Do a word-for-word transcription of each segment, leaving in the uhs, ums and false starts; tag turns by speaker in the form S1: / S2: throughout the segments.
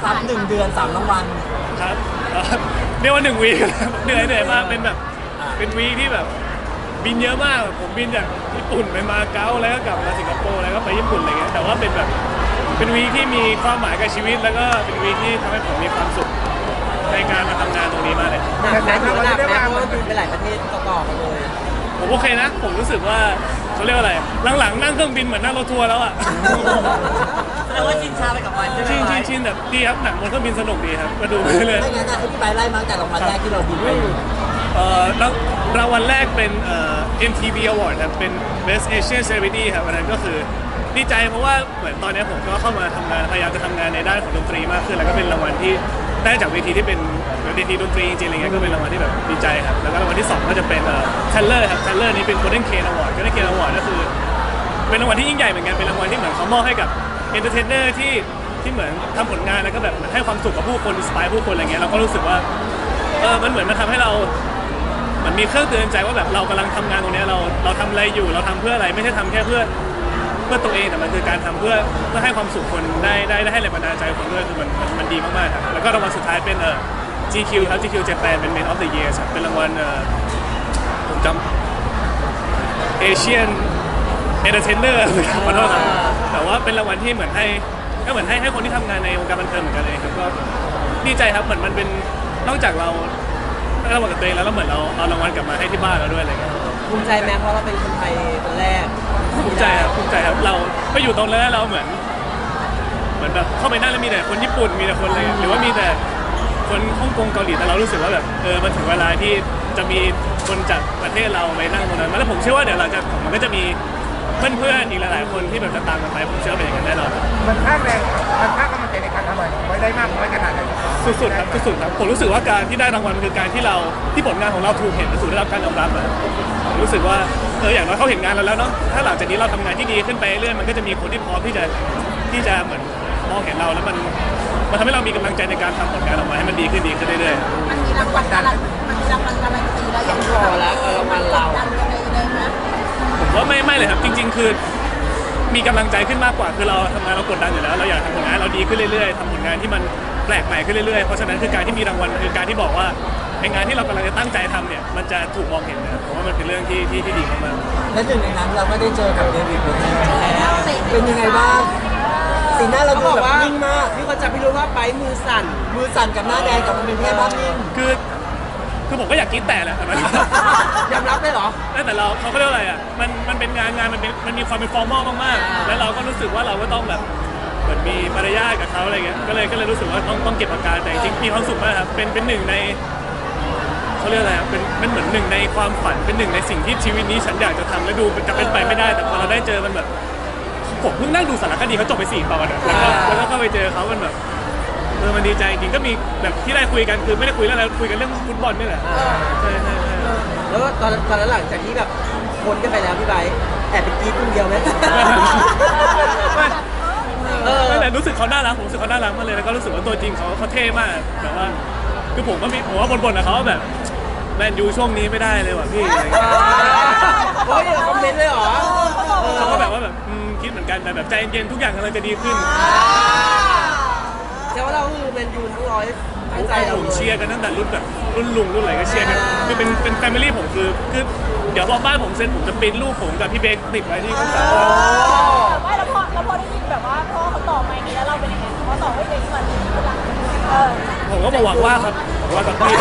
S1: ครับหนึ่งเดือนสามรางวัล
S2: ครับเรียกว่าหนึ่งวีคเหนื่อยเหนื่อยมากเป็นแบบเป็นวีคที่แบบบินเยอะมากผมบินจากญี่ปุ่นไปมาเก๊าแล้วก็กลับมาสิงคโปร์แล้วก็ไปญี่ปุ่นอะไรเงี้ยแต่ว่าเป็นแบบเป็นวีคที่มีความหมายกับชีวิตแล้วก็เป็นวีคที่ทำให้ผมมีความสุขในการมาทำงานตรงนี้มากเลย
S3: หนักไหมหนักไหมเพราะว่าบินไปหลายประเทศต่อๆกันเลย
S2: ผมโอเคนะผมรู้สึกว่าเขาเรียกว่าอะไรหลังๆนั่งเครื่องบินเหมือนนั่งรถทัวร์แล้วอ่ะ
S3: แสดงว่าชินชาไปกับมันใช่ไหม
S2: ชินชินชินแบบดีครับหนังบนเครื่องบินสนุกดีครับมาดูไปเลย
S1: ไม่งั้นนะให้พี่ไปไล่มาตั้งแต่รางวัลแรกที่เราบินไป
S2: เอ่อรางวัลแรกเป็นเอ่อ เอ็ม ที วี Award ครับเป็น Best Asian Celebrity ครับวันนั้นก็คือดีใจเพราะว่าเหมือนตอนนี้ผมก็เข้ามาทำงานพยายามจะทำงานในด้านของดนตรีมากขึ้นแล้วก็เป็นรางวัลที่ได้จากเวทีที่เป็นเวทีดนตรีจริงๆอะไรเงี้ยก็เป็นรางวัลที่แบบดีใจครับแล้วก็รางวัลที่สองก็จะเป็นเอ่อ Taylor ครับ Taylor นี้เป็น Golden Cane Award Golden Cane Award ก็คือเป็นรางวัลที่ยิ่งใหญ่เหมือนกันเป็นรางวัลที่เหมือนเขามอบให้กับ entertainer ที่ที่เหมือนทำผลงานแล้วก็แบบเหมือนให้ความสุขกับผู้คนอินสไปร์ผู้คนอะไรเงี้ยเราก็รู้สึกว่าเออมันเหมือนมันทำให้เรามันมีเครื่องเตือนใจว่าแบบเรากำลังทำงานตรงนี้เราเราทำอะไรอยู่เราทำเพื่ออะไรไม่ใช่ทำแค่เพื่อเพื่อตัวเองแต่มันคือการทำเพื่อเพื่อให้ความสุขคนได้ได้ได้ให้แรงบันดาลใจคนด้วยคือมันมันมันดีมากๆครับแล้วก็รางวัลสุดท้ายเป็นเอ่อ จี คิว ครับ จี คิว Japan เป็น Man of the Year ครับเป็นรางวัลเอ่อผมจำ Asian Entertainer ขอโทษครับแต่ว่าเป็นรางวัลที่เหมือนให้ก็เหมือนให้ให้คนที่ทำงานในวงการบันเทิงเหมือนกันเลยครับก็ดีใจครับเหมือนมันเป็นนอกจากเราได้รางวัลกับตัวเองแล้วเราเหมือนเราเอารางวัลกลับมาให้ที่บ้านเราด้วยอะไรเงี้ย
S3: ภูมิใจไหมเพราะเราเป็นคนไทยคนแรก
S2: ภูมิใจครับภูมิใจครับเราไปอยู่ตรงนั้นเราเหมือนเหมือนแบบเข้าไปนั่งแล้วมีแต่คนญี่ปุ่นมีแต่คนเลยหรือว่ามีแต่คนฮ่องกงเกาหลีแต่เรารู้สึกว่าแบบเออมันถึงเวลาที่จะมีคนจากประเทศเราไปนั่งตรงนั้นแล้วผมเชื่อว่าเดี๋ยวหลังจากมันก็จะมีเพื่อนๆอีกหลายๆคนที่แบบจะตามกันไปผมเชื่อเป็นอย่างนั้นแน่นอน
S4: มันภาคแรงมันภาคกำลังใจในการทำงานไว้ได้มากน้อยขนาดไหน
S2: สุดๆครับสุดๆครับผมรู้สึกว่าการที่ได้รางวัลคือการที่เราที่ผลงานของเราถูกเห็นและถูกได้รับการยอมรับอะผมรู้สึกว่าเอออย่างน้อยเขาเห็นงานเราแล้วเนาะถ้าหลังจากนี้เราทำงานที่ดีขึ้นไปเรื่อยมันก็จะมีคนที่พร้อมที่จะที่จะเหมือนมองเห็นเราแล้วมันมันทำให้เรามีกำลังใจในการทำผลงานออกมาให้มันดีขึ้นดีขึ้นเรื่อย
S5: ๆมันมีรางวัลการันมันมีรางวัลการันตีแล้วอย่าง
S3: พอแล้วรางวัลเรา
S2: ผมว่าไม่ไม่เลยครับจริงๆคือมีกำลังใจขึ้นมากกว่าคือเราทำงานเรากดดันอยู่แล้วเราอยากทำผลงานเราดีขึ้นเรื่อยๆทำผลงานที่มันแปลกใหม่ขึ้นเรื่อยๆเพราะฉะนั้นคือการที่มีรางวัลคือการที่บอกว่าในงานที่เรากำลังจะตั้งใจทำเนี่ยมันจะถูกมองเห็นนะผมว่ามันเป็นเรื่องที่ที่ที่ดีมาก
S1: ๆและหนึ่งในนั้นเราก็ได้เจอกับเดวิดเบคแฮมเป็นยังไงบ้างสีหน้าเราดูแบบนิ่งมาก
S3: มีคนจับพี่รู้ว่าไปมือสั่น
S1: มือสั่นกับหน้าแดงกับมันเป็นแค่ภาพนิ่ง
S2: คือคือผมก็อยากกินแต่แหละแต่มัน
S3: ยอมรับได้เหรอ
S2: แต่เราเขาเรียกอะไรอ่ะมันมันเป็นงานงานมันเป็นมันมีความเป็นฟอร์มอลมากๆแล้วเราก็รู้สึกว่าเราก็ต้องแบบเหมือนมีมารยาทกับเขาอะไรเงี้ยก็เลยก็เลยรู้สึกว่าต้องต้องเก็บอาการแต่จริงมีความสุขมากครับเป็นเป็นหนึ่งในเขาเรียกอะไรเป็นเป็นเหมือนหนึ่งในความฝันเป็นหนึ่งในสิ่งที่ชีวิตนี้ฉันอยากจะทำและดูจะเป็นไปไม่ได้แต่พอเราได้เจอมันแบบผมเพิ่งนั่งดูสารคดีเขาจบไปสี่ตอนแล้วก็แล้วก็เข้าไปเจอเขามันแบบเออมันดีใจจริงก็มีแบบที่ได้คุยกันคือไม่ได้คุยเรื่องอะไรคุยกันเรื่องฟุตบอลนี่แหละใช่ใช่
S3: แล้วตอนตอนหลังจากที่แบบพ้นกันไปแล้วพี่ไบร์ทแอบไปกรี๊ดคนเดียวไหม
S2: เออไม่แต่รู้สึกเขาน่ารักผมรู้สึกเขาน่ารักมากเลยแล้วก็รู้สึกว่าตัวจริงเขาเขาเท่มากแบบว่าคือผมก็มีผมว่าบ่นๆกับเขาแบบแมนยูช่วงนี้ไม่ได้เลยว่ะพี่อะไรเงี้ย
S3: โอ้ยคอมเมนต์เลยเหรอ
S2: เขาก็แบบว่าแบบคิดเหมือนกันแต่แบบใจเย็นทุกอย่างกำลังจะดีขึ้น
S3: แต่ว่าเราคือแมนยูทั้งร้อยตั้งใจเรา
S2: ผมเชียร์กันตั้งแต่รุ่นแบบรุ่นลุงรุ่นอะไรก็เชียร์กันคือเป็นเป็นแฟมิลี่ผมคือคือเดี๋ยวพอบ้านผมเซ็นผมจะปริ้นรูปผมกับพี่เบคติดไว้ที่ข้างฝา
S5: ไม่แล้วพอแล้วพอได้ยินแบบว่าพ่อเขาตอบมาอย่างนี้แล้วเราเป็นยังไงเขาตอบให้เบคเหมือน
S2: ผมก็บอกว่าครับบอกว่ากับพี่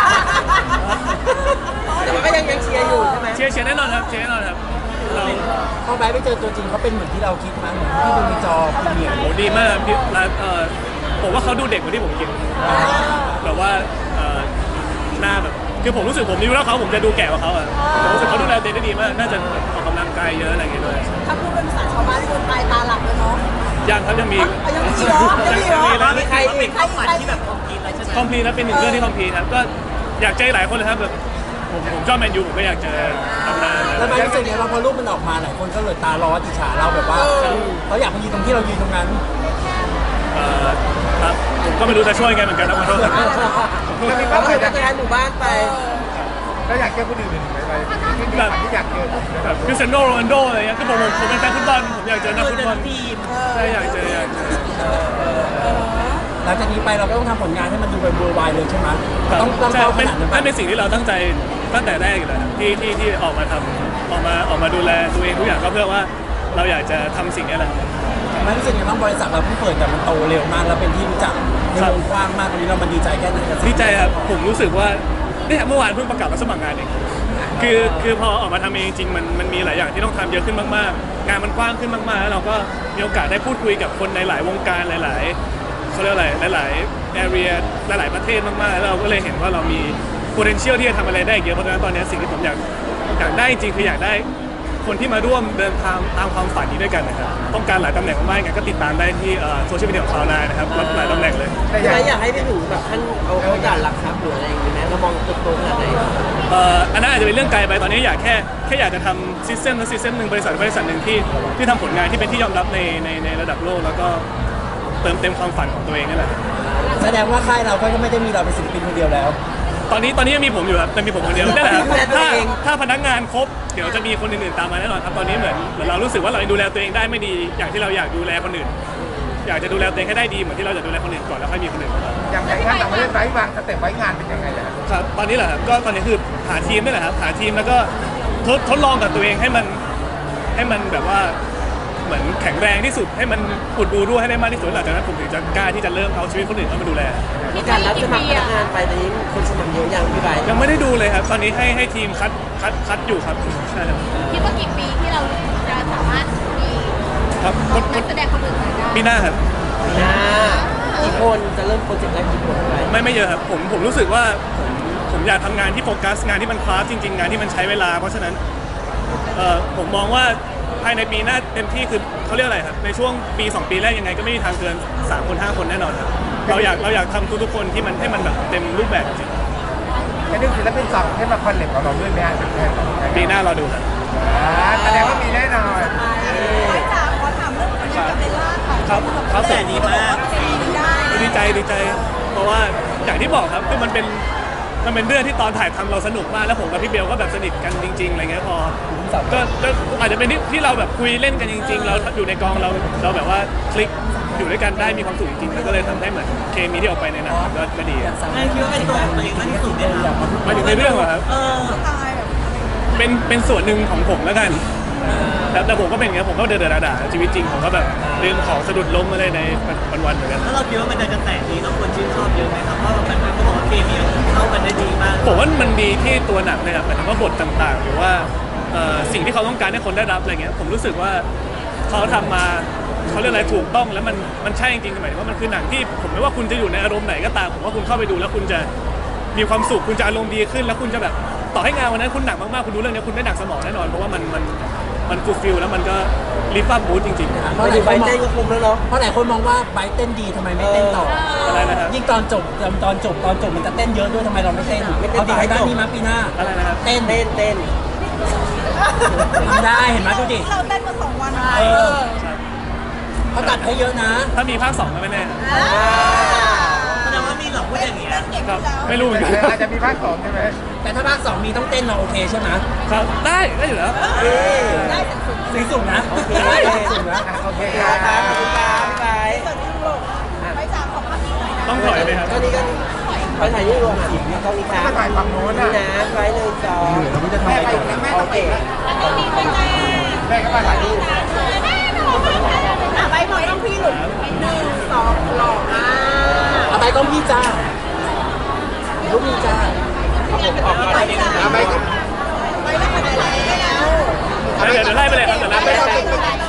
S3: แต่มันก็ยังยังเชียร์อยู่ใช่ไหม
S2: เชียร์เชียร์แน่นอนครับเชียร์แน่นอนครับเรา
S1: พอไปไปเจอตัวจริงเขาเป็นเหมือนที่เราคิดมั้ยที่ดูในจอเป็นเหมือน
S2: โหดีมากพี่เอ่อผมว่าเขาดูเด็กกว่าที่ผมคิดแบบว่าหน้าแบบคือผมรู้สึกผมนิ้วแล้วเขาผมจะดูแก่กว่าเขาอ่ะผมรู้สึกเขาดูแลตัวเองได้ดีมากน่าจะออกกำลังกายเยอะอะไรอย่างเงี้ยด้วย
S5: ถ้าพูดเป็นภาษาชาวบ้านคนตายตาหลับเลยเนาะ
S2: ยังครับยังมี
S5: ยังมีเหรอยังมีเหรอ
S3: มีใคร
S5: เป็นข้าวฝันที่แบบ
S2: คอมพลีทนะเป็นหนึ่งเรื่องที่คอมพลีทครับก็อยากเจอหลายคนเลยครับแบบผมผมชอบแมนยูผมก็อยากเจอตำนาน
S1: แล้วมันรู้สึกไงว่าพอรูปมันออกมาหลายคนก็เลยตาร้อนอิจฉาเราแบบว่าเขาอยากมายืนตรงที่เรายืนตรงนั้น
S2: ครับผมก็ไม่รู้จะช่วยไงเหมือนกันนะขอโทษ
S3: ก็มีเป้าหมายจะย้ายหมู่บ้านไป
S4: แล้วอยากเจอคนอื่นไหมไปแบบที่อยากเจอ
S2: แบบคริสเตียโนโรนัลโดอะไรเงี้ยคือผมผมเป็นแฟนฟุตบอลผมอยากเจอนักฟุตบอลใช่อยากเจออยากเจอ
S1: หลังจากนี้นี้ไปเราก็ต้องทำผลงานให้มันดูเป็นเวอร์ไวเลยใช่ไหม
S2: ครับ
S1: ต้องต้อง
S2: ใช่
S1: เข้าข
S2: เป็น
S1: นาดนั้น
S2: นั่น
S1: ปะ
S2: เป็นสิ่งที่เราตั้งใจตั้งแต่แรกอยู่แล้วครับที่ที่ที่ออกมาทำออกมาออกมาดูแลตัวเองทุกอย่างก็เพื่อว่าเราอยากจะทำสิ่งนี้แหละ
S1: มันรู้สึกยังไงบ้างบริษัทเราเพิ่งเปิดแต่มันโตเร็วมากแล้วเป็นที่รู้จักในวงกว้างมากตอนนี้เรามันดีใจแค่ไหนกับสิ่ง
S2: ดีใจครับผมรู้สึกว่าเนี่ยเมื่อวานเพิ่งประกาศรับสมัครงานเองคือคือพอออกมาทำเองจริงๆมันมันมีหลายอย่างที่ต้องทำเยอะขึ้นมากๆงานมันกว้างขึ้นมากๆแล้วเราก็มีโอกาสได้พูดคุยกับคนในหลายวงการหลายๆเขาเรียกอะไรหลายๆ area หลายๆประเทศมากๆแล้วเราก็เลยเห็นว่าเรามี potential ที่จะทำอะไรได้อีกเยอะเพราะฉะนั้นตอนนี้สิ่งที่ผมอยากอยากได้จริงๆคืออยากได้คนที่มาร่วมเดินทางตามความฝันนี้ด้วยกันนะครับต้องการหลายตำแหน่งมากๆงั้นก็ติดตามได้ที่โซเชียลมีเดียของคลาวด์ไนน์นะครับรับหลายตำแหน่งเลย
S4: แต่อ
S3: พี่
S4: ยาก
S3: ไบร์ทอยากให้พี่หนูแบบท่านเอาเขาด่านหลักทรัพย์หรืออะไรอย่างเงี้ยไหมเรามองโตๆขนาดไหน
S2: เอ่ออันนั้นอาจจะเป็นเรื่องไกลไปตอนนี้อยากแค่แค่อยากจะทำซิสเต็มและซิสเต็มหนึ่งบริษัทบริษัทหนึ่งที่ที่ทำผลงานที่เป็นที่ยอมรับในในในระดับโลกแล้วก็เติมเต็มความฝันของตัวเองนั่นแหละ
S1: แสดงว่าค่ายเราก็ไม่ได้มีเราเป็นศิลปินคนเดียวแล้ว
S2: ตอนนี้ตอนนี้ยังมีผมอยู่ครับแต่มีผมคนเดียวนั่นแหละครับ
S3: ดูแลตัว
S2: ถ้า
S3: เอง
S2: ถ้าพนักงานครบเดี๋ยวจะมีคนอื่นๆตามมาแน่นอนครับตอนนี้เหมือนเหมือนเรารู้สึกว่าเราดูแลตัวเองได้ไม่ดีอย่างที่เราอยากดูแลคนอื่น อยากจะดูแลตัวเองให้ได้ดีเหมือนที่เราจะดูแลคนอื่นก่อนแล้วค่อยมีคนอื่นเข้ามา
S4: อย่างแผนงานต่างประเทศไว้วางสเต็ปไว้งานเป็นยังไงล่ะ
S2: ครับตอนนี้แหละครับก็ตอนนี้คือหาทีมนี่แหละครับหาทีมแล้วก็ทดทดลองกับตัวเองให้มันให้มันแบบว่าเหมือนแข็งแรงที่สุดให้มันอุดรูรั่วให้ได้มากที่สุดหลังจากนั้นผมถึงจะกล้าที่จะเริ่มเอาชีวิตคนอื่นเข้ามาดูแล
S3: มีการรับสมัครพนักงานไปตอนนี้คนสมัครเยอะยังพี่ไบร์ท
S2: ยังไม่ได้ดูเลยครับตอนนี้ให้ให้ทีมคัดคัดคัดอยู่ครับใช่ครับ
S5: คิดว่ากี่ปีที่เราจะสามารถมี
S2: ครับ
S5: นักแสดงคนอื่นได้
S2: ปีหน้าครับ
S3: อ่ากี่คนจะเริ่มโปรเจกต์แรกกี่คนพี่ไบร์ท
S2: ไม่ไม่เยอะครับผมผมรู้สึกว่าผมผมอยากทำงานที่โฟกัสงานที่มันคลาสจริง ๆ งานที่มันใช้เวลาเพราะฉะนั้นเอ่อผมมองว่าภายในปีหน้าเต็มที่คือเขาเรียกอะไรครับในช่วงปีสองปีแรกยังไงก็ไม่มีทางเกินสามคนห้าคนแน่นอนครับเราอยากเราอยากทำทุกๆคนที่มันให้มันแบบเต็มรูปแบบจริง
S4: ให้นึกศิลปินสองให้มาคอนเนคกับเราด้วยไหมฮะ
S2: ปีหน้าเราดูครับ
S4: อ่าแสดงว่ามีแน่นอน
S5: ไปจ๋าขอถามเรื่องนี้กับเบลล่าค่ะ
S2: ครับครับ
S5: แต่ดีมากได้
S2: ดีใจดีใจ เพราะว่าอย่างที่บอกครับคือมันเป็นมันเป็นเรื่องที่ตอนถ่ายทำเราสนุกมากแล้วผมกับพี่เบลก็แบบสนิทกันจริงๆอะไรเงี้ยพอก็ก็อาจจะเป็นที่ที่เราแบบคุยเล่นกันจริง ๆ เราอยู่ในกองเราเราแบบว่าคลิกอยู่ด้วยกันได้มีความสุขจริงๆแล้วก็เลยทำให้เหมือนเคมีที่ออกไปในหนังมันก็ก็ดีอะ
S1: ไม่คิดว่าเป็นตัวของตัวเองมากที่สุดเลยครับ
S2: มาถึงในเรื่องเหรอครับ
S1: เออ
S5: ตายแบบ
S2: เป็นเป็นส่วนหนึ่งของผมแล้วกันแต่แต่ผมก็เป็นอย่างเงี้ยผมก็เดินเดินด่าๆชีวิตจริงผมก็แบบลืมของสะดุดล้มอะไรในวันๆเหมือนกัน
S1: ถ้าเราคิดว่ามันจะกระแสดีต้องควรชื่นชอบเยอะไหมครับเพราะแบบมันก็บอกว่าเคมีเข้ากันได้ดีมาก
S2: ผมว่ามันดีที่ตัวหนังเลยครับหมายถึงว่าบทต่างๆ หรือว่าเอ่อสิ่งที่เขาต้องการให้คนได้รับอะไรเงี้ยผมรู้สึกว่าเขาทำมาเขาเรียกอะไรถูกต้องแล้วมันมันใช่จริงๆหมายถึงว่ามันคือหนังที่ผมไม่ว่าคุณจะอยู่ในอารมณ์ไหนก็ตามผมว่าคุณเข้าไปดูแล้วคุณจะมีความสุขคุณจะอารมณ์ดีขึ้น แล้วคุณจะแบบต่อให้งานวันนั้นคุณหนักมากๆคุณดูเรื่องนี้คุณได้หนักสมองแน่นอนเพราะว่ามันมันมันฟูลฟิลแล้วมันก็ลิฟต์อัพบูธจริงๆ
S3: เพราะหลายคนเต้นก็คุ้มแล้วเนาะ
S1: เพราะหลายคนมองว่าไบร์ทเต้นดีทำไมไม่เต้นต่อ
S2: อะไรนะครับ
S1: ยิ่งตอนจบตอนจบตอนจบมันจะเต้นเยอะด้วยทำไมเราไม่เต้นเอาดีให้ได้นี่มาปีหน้า
S2: อะไรนะครับ
S1: เต้น
S3: เต้นเต้น
S1: ทำได้เห็นไหมดูดิ
S5: เราเต้นมาสองวัน
S1: เออเขาตัดให้เยอะนะ
S2: ถ้ามีภาคสองก็ไม่แน่
S1: แสดงว่ามีหลอกพูดอย่างเงี้ย
S5: เก่ง
S2: ครับ
S5: แล้ว
S2: ไม่รู้เหมือนกัน
S4: อาจจะมีภาคสองใช่ไหม
S1: แต่ถ้าภาคสองมีต้องเต้นเราโอเคใช่ไหม
S2: ครับได้ได้อยู่แล้ว
S5: ได้ถึงสุด
S1: สีสุดนะ
S3: โอเค
S1: ได้
S3: ได้
S1: สีสุดนะ
S4: โอเค
S3: ค
S4: ค
S3: รั
S4: รั
S3: บบ ขอบคุณครับพี่ไบร์ท
S5: เกิดที่ยุโรปไปจ๋าขอภาพนี้หน่อยนะ
S2: ต้องถอยไหมครับ
S3: ก็นี้ก็ไปถ่ายรูปรวมอ่ะกล้องนี้ครับ
S4: ก็ถ่ายฝั่งโน้น
S3: นี่
S4: นะ
S3: นะไว้หนึ่งสอง
S1: เราไม่จะทำ
S4: แม่
S1: อะไร
S4: ไป
S1: ต่อ
S4: แม่
S3: โอ
S4: ต้อง
S3: เค
S4: ไป
S5: แล้วก็มีไปจ๋า
S4: แม่ก็มาถ่ายรูป
S5: อ่ะไปหน่อยต้องพี่หลุดหนึ่งสองหล่อมาก
S1: เอาไปกล้องพี่จ้ารูปพี่จ้า
S5: ไปจ๋า
S4: เอาไป
S5: ไปแล้วไปไหนแล้ว
S2: เดี๋ยวเดี๋ยวไล่ไปเลยครับเดี๋ยวไล่ไป
S5: ไป
S2: เลย
S5: แล้ว